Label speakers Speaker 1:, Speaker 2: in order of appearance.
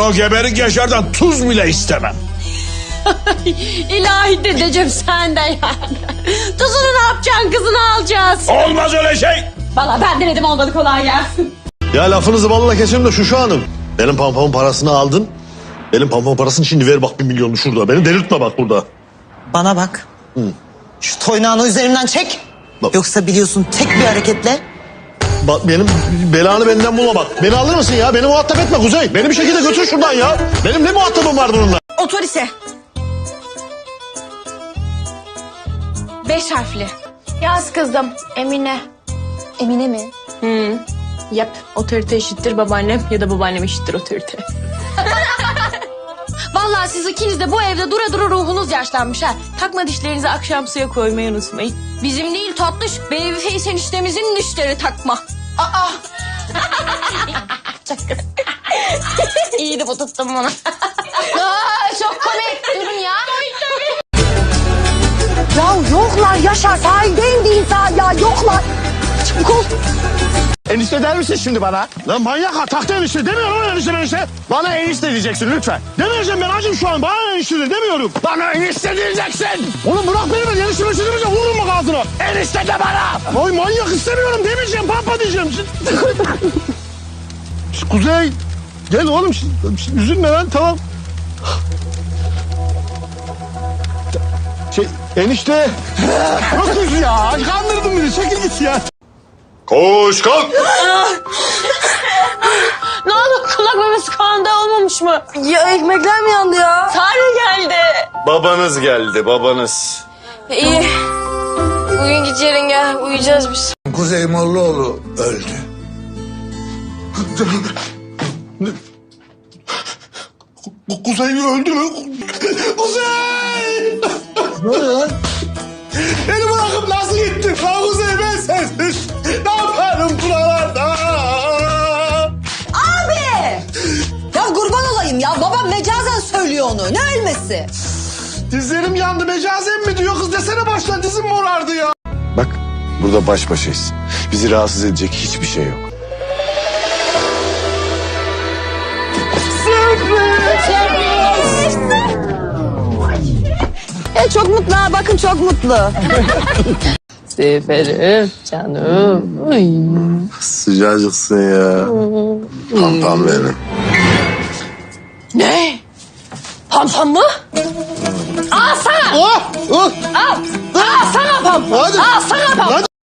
Speaker 1: o geberik Yaşar'dan tuz bile istemem.
Speaker 2: İlahi dedeciğim senden yani. Tuzunu ne yapacaksın, kızını alacağız.
Speaker 1: Olmaz öyle şey.
Speaker 2: Vallahi ben denedim, olmadı, kolay gelsin.
Speaker 3: Ya lafınızı balla keserim de Şuşu Hanım. Benim pampamın parasını aldın. Benim pampamın parasını şimdi ver bak 1 milyonu şurada. Beni delirtme bak burada.
Speaker 4: Bana bak. Şu toynağını üzerimden çek.
Speaker 3: Bak.
Speaker 4: Yoksa biliyorsun tek bir hareketle.
Speaker 3: Bak benim belanı benden bulma bak. Beni alır mısın ya? Beni muhatap etme Kuzey. Beni bir şekilde götür şuradan ya. Benim ne muhatabım var bununla?
Speaker 2: Otorise. 5 harfli.
Speaker 5: Yaz kızım, Emine.
Speaker 2: Emine mi? Yap. Otorite eşittir babaannem ya da babaannem eşittir otorite. Vallahi siz ikiniz de bu evde dura dura ruhunuz yaşlanmış ha. Takma dişlerinizi akşam suya koymayı unutmayın. Bizim değil tatlış, Babyface eniştemizin dişleri takma. Aa! İyiydi bu, tuttum bunu. Çok komik, durun ya.
Speaker 6: Ya yoklar Yaşar, sahilde indi insan ya, yoklar. Çabuk ol.
Speaker 3: Enişte der misin şimdi bana? Lan manyak ha, taktı enişte demiyorum lan enişte. Bana enişte diyeceksin lütfen. Demeyeceğim ben acım şu an, bana enişte de demiyorum. Bana enişte diyeceksin. Oğlum bırak beni, ben enişte demeyeceğim, vururum bak ağzına. Enişte de bana. Ay manyak, istemiyorum demeyeceğim, pampa diyeceğim. Kuzey gel oğlum, üzülme lan, tamam. Enişte. Yok kız ya, kandırdın beni, çekil git ya. Koş kalk.
Speaker 2: Ne oldu, kulak memesi kanda olmamış mı?
Speaker 6: Ya ekmekler mi yandı ya?
Speaker 2: Tarih geldi.
Speaker 3: Babanız geldi, babanız.
Speaker 5: İyi. Bugün git yarın gel, uyuyacağız biz.
Speaker 7: Kuzey Mollaoğlu öldü.
Speaker 3: Kuzey öldü mü? Kuzey! Ne oluyor lan? Beni bırakıp nasıl gittin? Lan Kuzey, ben sensiz. Ne yaparım buralarda?
Speaker 6: Abi! Ya kurban olayım ya, babam mecazen söylüyor onu, ne ölmesi?
Speaker 3: Dizlerim yandı, mecazen mi diyor kız, desene baştan, dizim morardı ya.
Speaker 8: Bak burada baş başayız. Bizi rahatsız edecek hiçbir şey yok.
Speaker 6: Çok mutlu ha, bakın çok mutlu.
Speaker 2: Seferim canım. Ay.
Speaker 8: Sıcacıksın ya. Pampam benim.
Speaker 2: Ne? Pampam mı? Al sana. Al sana pam.
Speaker 3: Hadi.
Speaker 2: Al sana pam.
Speaker 3: Hadi.